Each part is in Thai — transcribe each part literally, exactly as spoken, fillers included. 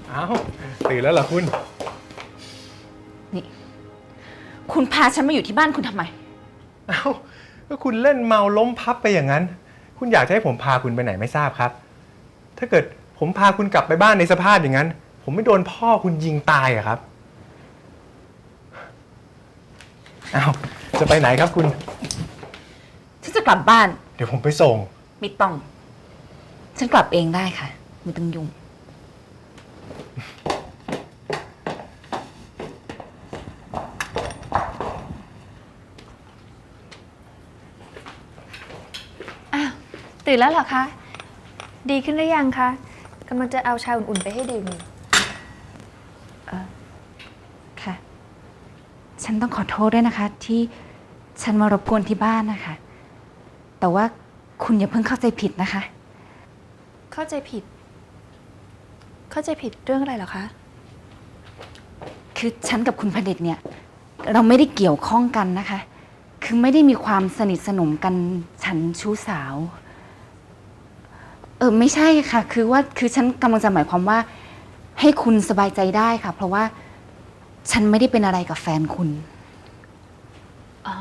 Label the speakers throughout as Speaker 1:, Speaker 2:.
Speaker 1: อ้าวตื่นแล้วเหรอคุณ
Speaker 2: นี่คุณพาฉันมาอยู่ที่บ้านคุณทำไม
Speaker 1: อ้าวก็คุณเล่นเมาล้มพับไปอย่างนั้นคุณอยากจะให้ผมพาคุณไปไหนไม่ทราบครับถ้าเกิดผมพาคุณกลับไปบ้านในสภาพอย่างนั้นผมไม่โดนพ่อคุณยิงตายอะครับอ้าวจะไปไหนครับคุณ
Speaker 2: ฉันจะกลับบ้าน
Speaker 1: เดี๋ยวผมไปส่ง
Speaker 2: ไม่ต้องฉันกลับเองได้ค่ะไม่ต้องยุ่ง
Speaker 3: อ้าวตื่นแล้วเหรอคะดีขึ้นหรือยังคะกำลังจะเอาชาอุ่นๆไปให้ดื่ม
Speaker 2: เออค่ะฉันต้องขอโทษด้วยนะคะที่ฉันมารบกวนที่บ้านนะคะแต่ว่าคุณอย่าเพิ่งเข้าใจผิดนะคะ
Speaker 3: เข้าใจผิดเข้าใจผิดเรื่องอะไรเหรอคะ
Speaker 2: คือฉันกับคุณพเดชเนี่ยเราไม่ได้เกี่ยวข้องกันนะคะคือไม่ได้มีความสนิทสนมกันฉันชู้สาวเออไม่ใช่ค่ะคือว่าคือฉันกำลังจะหมายความว่าให้คุณสบายใจได้ค่ะเพราะว่าฉันไม่ได้เป็นอะไรกับแฟนคุณ
Speaker 3: อ๋อ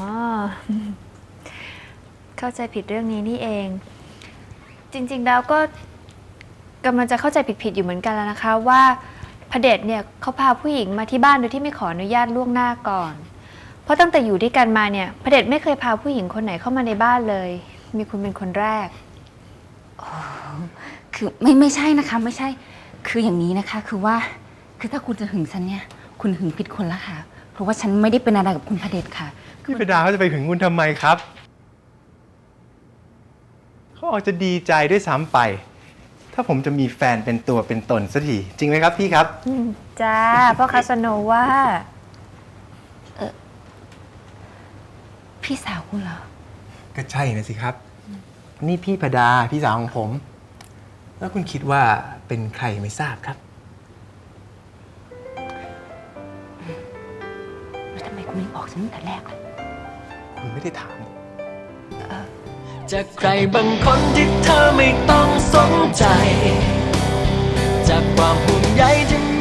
Speaker 3: เข้าใจผิดเรื่องนี้นี่เองจริงๆแล้วก็กำลังจะเข้าใจผิดๆอยู่เหมือนกันแล้วนะคะว่าพเดชเนี่ยเขาพาผู้หญิงมาที่บ้านโดยที่ไม่ขออนุญาตล่วงหน้าก่อนเพราะตั้งแต่อยู่ด้วยกันมาเนี่ยพเดชไม่เคยพาผู้หญิงคนไหนเข้ามาในบ้านเลยมีคุณเป็นคนแรก
Speaker 2: คือไม่ไม่ใช่นะคะไม่ใช่คืออย่างนี้นะคะคือว่าคือถ้าคุณจะหึงฉันเนี่ยคุณหึงผิดคนละค่ะเพราะว่าฉันไม่ได้เป็นอะไรกับคุณพเดชค่ะ
Speaker 1: พี่ประดาเขาจะไปหึงคุณทำไมครับเขาอาจจะดีใจด้วยซ้ำไปถ้าผมจะมีแฟนเป็นตัวเป็นตนสักทีจริงไหมครับพี่ครับ
Speaker 3: จ้าพ่อคาสโนว่า
Speaker 2: เออพี่สาวคุณเหรอ
Speaker 1: ก็ใช่นะสิครับนี่พี่ประดาพี่สาวของผมแล้วคุณคิดว่าเป็นใครไม่ทราบครับ
Speaker 2: แล้วทำไมคุณไม่บอกฉันตั้งแต่แรกล่ะ
Speaker 1: คุณไม่ได้ถาม
Speaker 4: จากใครบางคนที่เธอไม่ต้องสนใจจากความห่วงใยที่